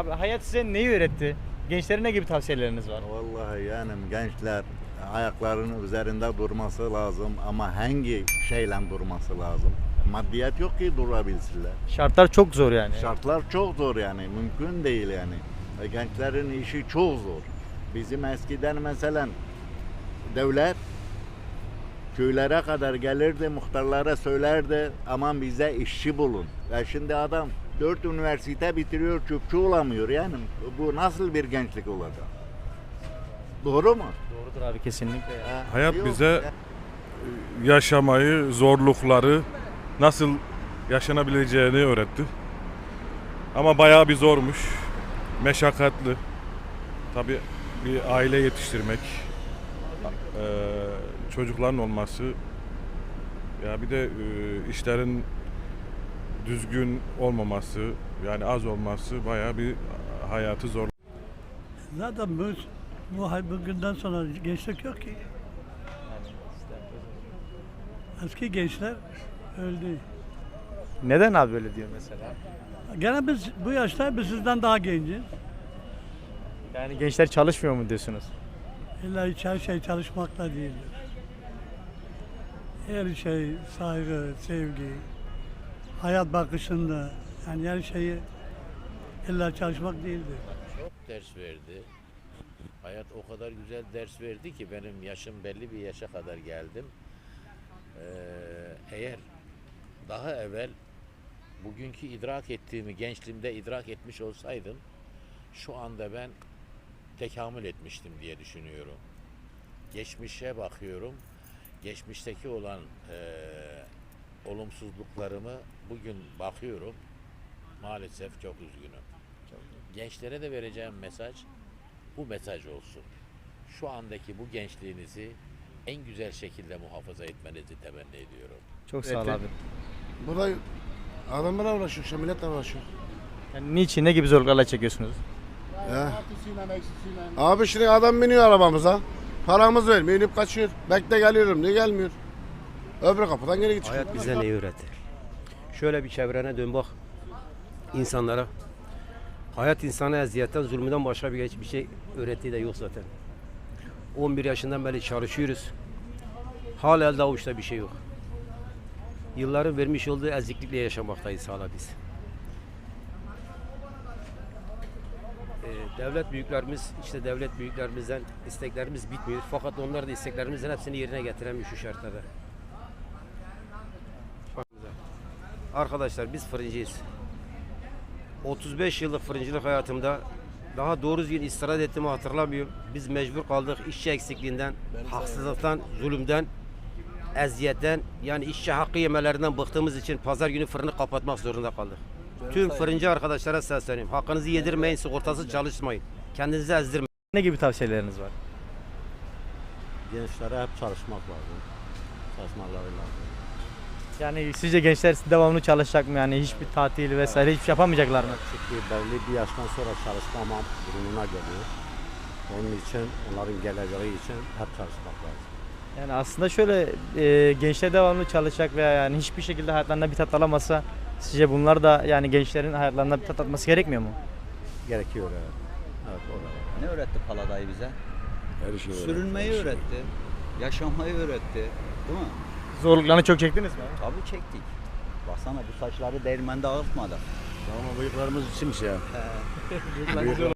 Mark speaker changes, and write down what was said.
Speaker 1: Abi hayat size neyi öğretti? Gençlere ne gibi tavsiyeleriniz var?
Speaker 2: Vallahi yani gençler ayaklarının üzerinde durması lazım ama hangi şeyle durması lazım? Maddiyat yok ki durabilsinler.
Speaker 1: Şartlar çok zor yani.
Speaker 2: Şartlar çok zor yani mümkün değil yani. Gençlerin işi çok zor. Bizim eskiden mesela devlet köylere kadar gelirdi, muhtarlara söylerdi aman bize işçi bulun. Ya şimdi adam 4 üniversite bitiriyor, çöpçü olamıyor yani. Bu nasıl bir gençlik olacak? Doğru mu?
Speaker 1: Doğrudur abi kesinlikle. Ya.
Speaker 3: Hayat
Speaker 2: Yok
Speaker 3: bize
Speaker 2: ya.
Speaker 3: yaşamayı, zorlukları nasıl yaşanabileceğini öğretti. Ama bayağı bir zormuş, meşakkatli. Tabii bir aile yetiştirmek, çocukların olması, ya bir de işlerin düzgün olmaması, yani az olması bayağı bir hayatı zor.
Speaker 4: Zaten bugünden sonra gençlik yok ki. Eski gençler öldü.
Speaker 1: Neden abi böyle diyor mesela?
Speaker 4: Gene biz bu yaşta biz sizden daha genciz.
Speaker 1: Yani gençler çalışmıyor mu diyorsunuz?
Speaker 4: İlla hiç her şey çalışmakla değildir. Her şey saygı, sevgi, hayat bakışında yani her şeyi illa çalışmak değildir.
Speaker 5: Çok ders verdi. Hayat o kadar güzel ders verdi ki benim yaşım belli bir yaşa kadar geldim. Eğer daha evvel bugünkü idrak ettiğimi gençliğimde idrak etmiş olsaydım şu anda ben tekamül etmiştim diye düşünüyorum. Geçmişe bakıyorum. Geçmişteki olan olumsuzluklarımı bugün bakıyorum. Maalesef çok üzgünüm. Gençlere de vereceğim mesaj bu mesaj olsun. Şu andaki bu gençliğinizi en güzel şekilde muhafaza etmenizi temenni ediyorum.
Speaker 1: Çok sağ ol abi.
Speaker 6: Burada adamlarla uğraşıyor, işte milletle uğraşıyor.
Speaker 1: Yani niçin, ne gibi zorluklarla çekiyorsunuz?
Speaker 6: Ya. Abi şimdi adam biniyor arabamıza. Paramız vermiyor, inip kaçıyor. Bekle geliyorum, niye gelmiyor? Öbür kapıdan geri çıkıyor.
Speaker 7: Hayat bize neyi öğretir? Şöyle bir çevrene dön bak insanlara. Hayat insana eziyetten, zulmünden başka hiçbir şey öğrettiği de yok zaten. 11 yaşından beri çalışıyoruz. Hala elde avuçta bir şey yok. Yılların vermiş olduğu eziklikle yaşamaktayız hala biz. Devlet büyüklerimiz, işte devlet büyüklerimizden isteklerimiz bitmiyor. Fakat onlar da isteklerimizin hepsini yerine getiremiyor şu şartlarda. Arkadaşlar biz fırıncıyız. 35 yıllık fırıncılık hayatımda daha doğru düzgün istirahat ettiğimi hatırlamıyorum. Biz mecbur kaldık işçi eksikliğinden, haksızlıktan, zulümden, eziyetten, yani işçi hakkı yemelerinden bıktığımız için pazar günü fırını kapatmak zorunda kaldık. Tüm fırıncı arkadaşlara sesleniyorum. Hakkınızı yedirmeyin, sigortasız çalışmayın. Kendinizi ezdirmeyin.
Speaker 1: Ne gibi tavsiyeleriniz var?
Speaker 2: Gençlere hep çalışmak lazım. Çalışmaları lazım.
Speaker 1: Yani sizce gençler devamlı çalışacak mı? Yani hiçbir tatil vesaire hiçbir şey yapamayacaklar mı?
Speaker 2: Çünkü belli bir yaştan sonra çalışmamam durumuna geliyor. Onun için, onların geleceği için hep çalışmak lazım.
Speaker 1: Yani aslında şöyle gençler devamlı çalışacak veya yani hiçbir şekilde hayatlarında bir tat alamazsa sizce bunlar da yani gençlerin hayatlarında bir tat atması gerekmiyor mu?
Speaker 2: Gerekiyor evet. Evet o da var.
Speaker 8: Ne öğretti Paladayı bize?
Speaker 6: Her şeyi
Speaker 8: Sürünmeyi öğretti. Yaşamayı öğretti. Değil mi?
Speaker 1: Zorluklarını çok çektiniz mi?
Speaker 8: Tabii çektik. Baksana bu saçları değirmende ağırtmadı.
Speaker 6: Ama bıyıklarımız simsiyah.